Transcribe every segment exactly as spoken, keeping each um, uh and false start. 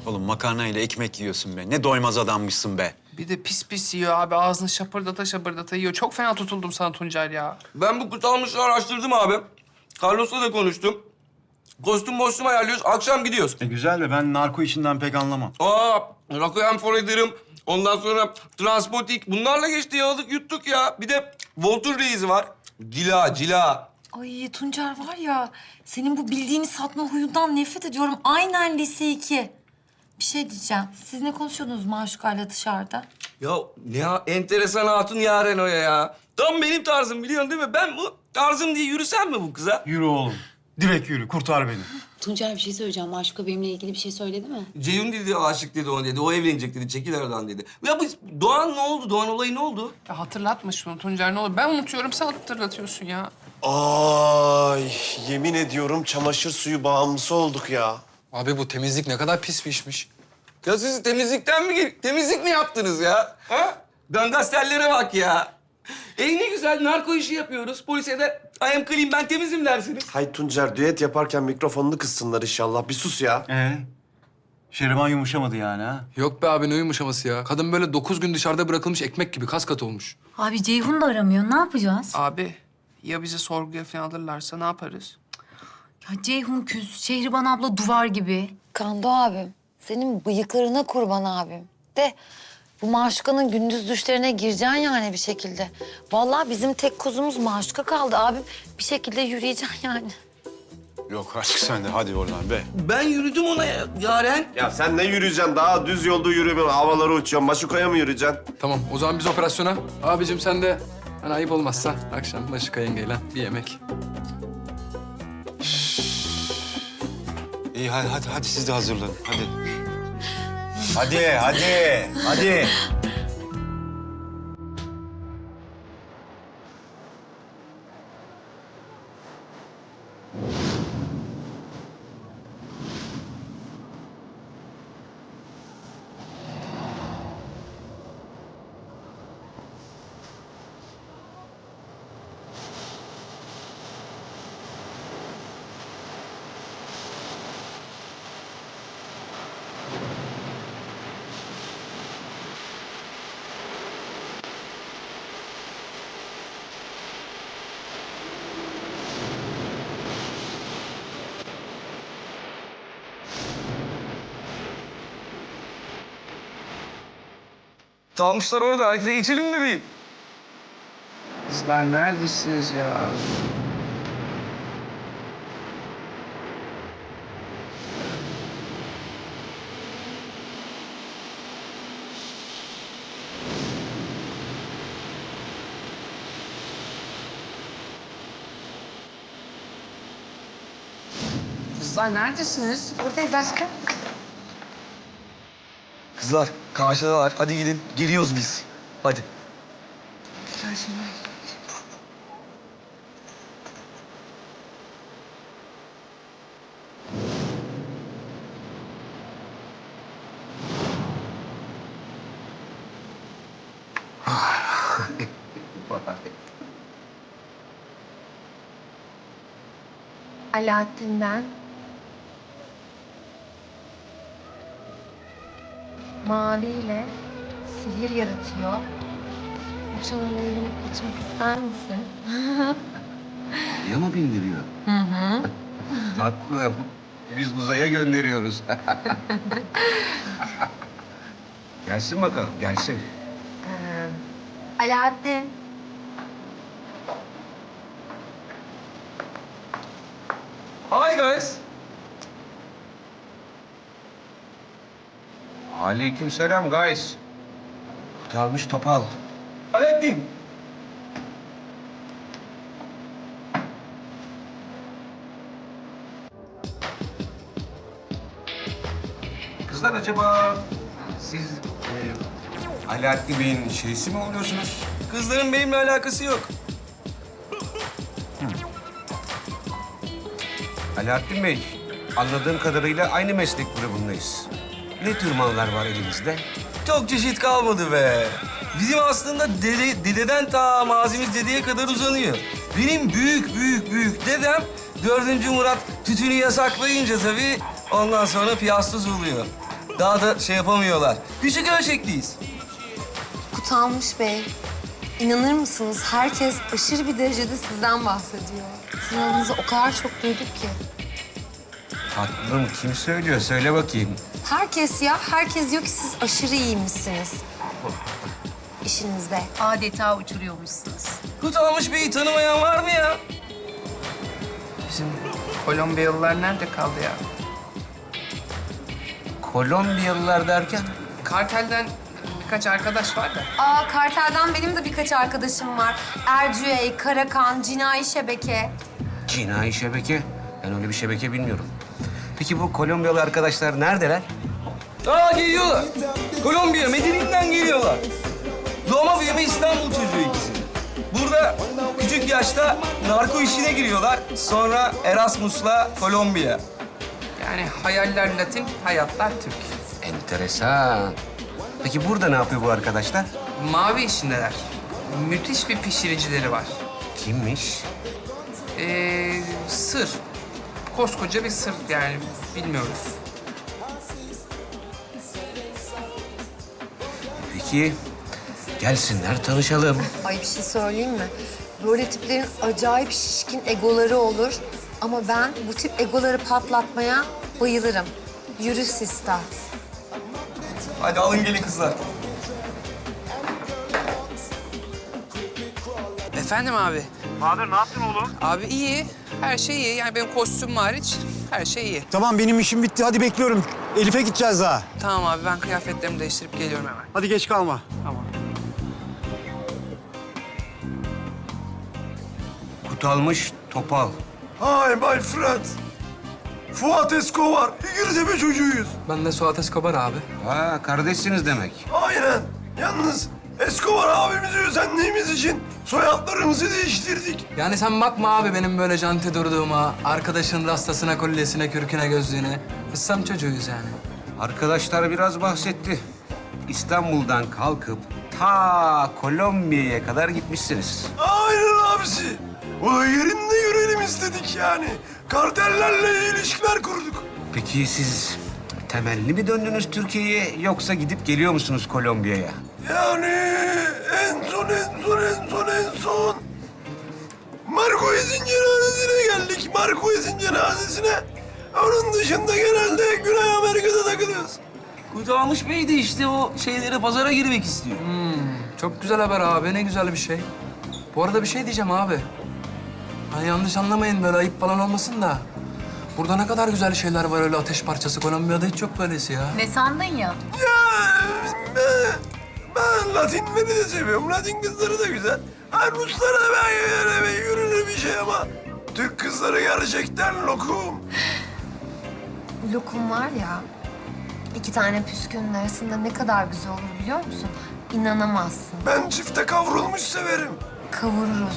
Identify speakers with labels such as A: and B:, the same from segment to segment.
A: Oğlum makarnayla ekmek yiyorsun be. Ne doymaz adammışsın be.
B: Bir de pis pis yiyor abi. Ağzını şapırdata şapırdata yiyor. Çok fena tutuldum sana Tuncer ya.
C: Ben bu kutalmışı araştırdım abi. Carlos'la da konuştum. Kostüm mostüm ayarlıyoruz. Akşam gidiyoruz.
A: E güzel de ben narko işinden pek anlamam.
C: Aa, Requiem for a Dream. Ondan sonra Transpotik. Bunlarla geçti yaladık yuttuk ya. Bir de Voltur Reis var. Cila, cila.
D: Ay Tuncer var ya, senin bu bildiğini satma huyundan nefret ediyorum. Aynen lise iki. Bir şey diyeceğim. Siz ne konuşuyordunuz Maşuka'yla dışarıda?
C: Ya ne ya, enteresan hatun Yaren o ya. Tam benim tarzım biliyorsun değil mi? Ben bu tarzım diye yürüsem mi bu kıza?
A: Yürü oğlum. Direkt yürü. Kurtar beni.
E: Tuncer bir şey söyleyeceğim. Maşuka benimle ilgili bir şey söyledi mi?
C: Ceyhun dedi, aşık dedi ona dedi. O evlenecek dedi, çekil aradan dedi. Ya bu Doğan ne oldu? Doğan olayı ne oldu?
B: Ya hatırlatma şunu Tuncer ne olur. Ben unutuyorum, sen hatırlatıyorsun ya.
F: Ay yemin ediyorum çamaşır suyu bağımlısı olduk ya.
G: Abi bu temizlik ne kadar pis bir işmiş.
C: Ya siz temizlikten mi, gel- temizlik mi yaptınız ya? Ha? Gangastellere bak ya. E ne güzel, narko işi yapıyoruz. Polise de I am clean, ben temizim dersiniz.
F: Hay Tuncer düet yaparken mikrofonunu kıssınlar inşallah. Bir sus ya.
A: Ee? Şeriman yumuşamadı yani ha?
G: Yok be abi ne yumuşaması ya. Kadın böyle dokuz gün dışarıda bırakılmış ekmek gibi kas katı olmuş.
D: Abi Ceyhun da aramıyor. Ne yapacağız?
B: Abi ya bizi sorguya falan alırlarsa ne yaparız?
D: Ya Ceyhun küs, Şehriban abla duvar gibi.
H: Kando abim, senin bıyıklarına kurban abim. De bu Maşuka'nın gündüz düşlerine gireceksin yani bir şekilde. Vallahi bizim tek kuzumuz Maşuka kaldı abim. Bir şekilde yürüyeceksin yani.
A: Yok artık sen de hadi oradan be.
C: Ben yürüdüm ona ya, Yaren.
F: Ya sen ne yürüyeceksin? Daha düz yolda yürüme. Havalara uçuyorsun. Maşukaya mı yürüyeceksin?
G: Tamam o zaman biz operasyona. Abicim sen de hani ayıp olmazsa akşam Maşuka yengeyle bir yemek.
A: İyi hadi hadi, hadi siz de hazırlanın. Hadi. Hadi hadi hadi.
C: Dalmışlar orada, hadi geçelim mi bir?
B: Kızlar neredesiniz ya? Kızlar neredesiniz?
H: Buradayız aşkım.
C: Kızlar, karşıdalar. Hadi gidin. Geliyoruz biz. Hadi.
I: Alaaddin'den maviyle sihir yaratıyor. Uçanın elini kaçmak ister misin?
J: Ya mı bindiriyor? Hı hı. Tatlım. Biz uzaya gönderiyoruz. Gelsin bakalım, gelsin.
I: Alaaddin.
C: Hi guys.
J: Aleykümselam guys. Gelmiş topal.
C: Alaaddin.
J: Kızlar acaba siz e, Alaaddin Bey'in şeysi mi oluyorsunuz?
C: Kızların benimle alakası yok.
J: Alaaddin Bey, anladığım kadarıyla aynı meslek grubundayız. Ne tür mallar var elimizde?
C: Çok çeşit kalmadı be. Bizim aslında dede, dededen ta mazimiz dedeye kadar uzanıyor. Benim büyük büyük büyük dedem dördüncü Murat tütünü yasaklayınca tabii ondan sonra piyastuz oluyor. Daha da şey yapamıyorlar. Küçük ölçekliyiz.
I: Kutalmış Bey, inanır mısınız? Herkes aşırı bir derecede sizden bahsediyor. Sizin adınızı o kadar çok duyduk ki.
J: Tatlım kim söylüyor? Söyle bakayım.
I: Herkes ya, herkes diyor ki siz aşırı iyiymişsiniz. İşinizde.
D: Adeta uçuruyormuşsunuz.
C: Kutalmış Bey'i tanımayan var mı ya?
B: Bizim Kolombiyalılar nerede kaldı ya?
J: Kolombiyalılar derken?
B: Kartelden birkaç arkadaş var da.
I: Aa, kartelden benim de birkaç arkadaşım var. Ercüey, Karakan, Cinayi Şebeke.
J: Cinayi şebeke. Ben öyle bir şebeke bilmiyorum. Peki bu Kolombiyalı arkadaşlar neredeler?
C: Aa geliyorlar. Kolombiya, Medellin'den geliyorlar. Doğma büyüme İstanbul çocuğu ikisi. Burada küçük yaşta narko işine giriyorlar. Sonra Erasmus'la Kolombiya.
B: Yani hayaller Latin, hayatlar Türk.
J: Enteresan. Peki burada ne yapıyor bu arkadaşlar?
B: Mavi işindeler. Müthiş bir pişiricileri var.
J: Kimmiş?
B: Ee, sır. Koskoca bir sır yani bilmiyoruz.
J: Peki gelsinler tanışalım.
I: Ay bir şey söyleyeyim mi? Böyle tiplerin acayip şişkin egoları olur. Ama ben bu tip egoları patlatmaya bayılırım. Yürü Sista.
C: Hadi alın gelin kızlar.
B: Efendim abi?
K: Bahadır ne yaptın oğlum?
B: Abi iyi. Her şey iyi. Yani benim kostüm hariç her şey iyi.
K: Tamam benim işim bitti. Hadi bekliyorum. Elif'e gideceğiz daha.
B: Tamam abi ben kıyafetlerimi değiştirip geliyorum hemen.
K: Hadi geç kalma.
B: Tamam.
J: Kutalmış Topal.
F: Hi my friend. Fuat Escobar. İngilizce çocuğuyuz.
G: Ben de Suat Escobar abi.
J: Ha kardeşsiniz demek.
F: Aynen. Yalnız Escobar abimizi özendiğimiz için soyadlarımızı değiştirdik.
G: Yani sen bakma abi benim böyle janti durduğuma, arkadaşın rastasına, kolyesine, kürküne, gözlüğüne. Biz sam çocuğuyuz yani.
J: Arkadaşlar biraz bahsetti. İstanbul'dan kalkıp ta Kolombiya'ya kadar gitmişsiniz.
F: Aynen abisi. O da yerinde görelim istedik yani. Kartellerle ilişkiler kurduk.
J: Peki siz temelli mi döndünüz Türkiye'ye yoksa gidip geliyor musunuz Kolombiya'ya?
F: Yani en son, en son, en son, en son. Marquez'in cenazesine geldik. Marquez'in cenazesine. Onun dışında genelde Güney Amerika'da takılıyoruz.
C: Kutalmış Bey de işte o şeylere pazara girmek istiyor.
G: Çok güzel haber abi, ne güzel bir şey. Bu arada bir şey diyeceğim abi. Hani yanlış anlamayın böyle ayıp falan olmasın da. Burada ne kadar güzel şeyler var öyle ateş parçası. Kolombiya'da hiç yok böylesi ya.
D: Ne sandın ya?
F: Ya ben, ben Latinleri de seviyorum. Latin kızları da güzel. Ha, Ruslara da ben öyle bir yürünür bir şey ama Türk kızları gerçekten lokum.
I: Lokum var ya, iki tane püskünün arasında ne kadar güzel olur biliyor musun? İnanamazsın.
F: Ben çifte kavrulmuş severim.
I: Kavururuz.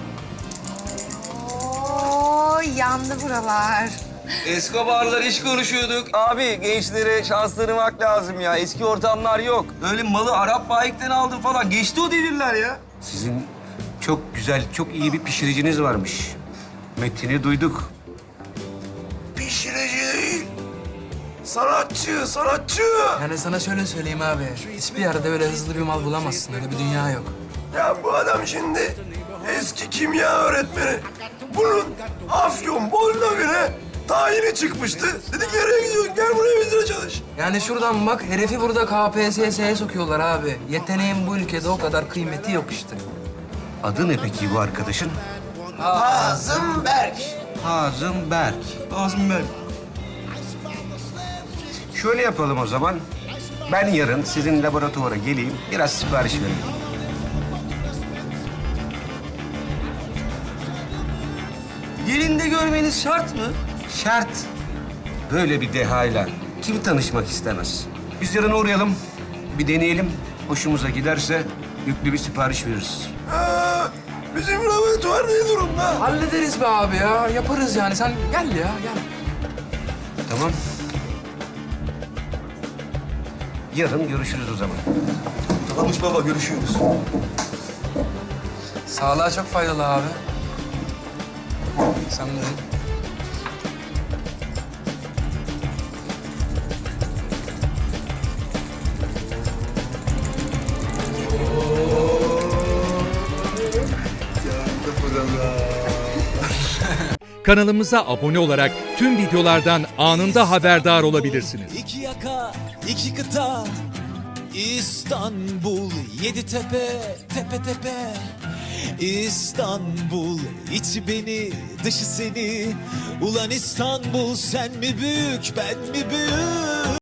I: Oo, yandı buralar.
C: Escobar'lar iş konuşuyorduk. Abi gençlere şans tanımak lazım ya. Eski ortamlar yok. Öyle malı Arap bayikten aldım falan. Geçti o devirler ya.
J: Sizin çok güzel, çok iyi bir pişiriciniz varmış. Metin'i duyduk.
F: Pişirici değil. Sanatçı, sanatçı.
G: Yani sana şöyle söyleyeyim abi. Hiçbir yerde öyle hızlı bir mal bulamazsın. Öyle bir dünya yok.
F: Ya bu adam şimdi eski kimya öğretmeni. Bunun Afyon Bolna göre tayini çıkmıştı. Dedik nereye gidiyorsun? Gel buraya bizimle çalış.
G: Yani şuradan bak, herifi burada K P S S'ye sokuyorlar abi. Yeteneğin bu ülkede o kadar kıymeti yok işte.
J: Adı ne peki bu arkadaşın?
F: Hazım Berk.
J: Hazım Berk.
C: Ağzım ben.
J: Şöyle yapalım o zaman. Ben yarın sizin laboratuvara geleyim, biraz sipariş vereyim.
C: Yerinde görmeniz şart mı?
J: Şart. Böyle bir dehayla kim tanışmak istemez? Biz yarın uğrayalım, bir deneyelim. Hoşumuza giderse yüklü bir sipariş veririz.
F: Ha, bizim laboratuvar ne durumda?
G: Hallederiz be abi ya. Yaparız yani. Sen gel ya, gel.
J: Tamam. Yarın görüşürüz o zaman.
F: Tamammış baba, görüşürüz.
G: Sağlığa çok faydalı abi. Sen de.
L: kanalımıza abone olarak tüm videolardan anında haberdar olabilirsiniz.
M: İki yaka, iki kıta, İstanbul, yedi tepe, tepe tepe. İstanbul, içi beni, dışı seni. Ulan İstanbul, sen mi büyük, ben mi büyük?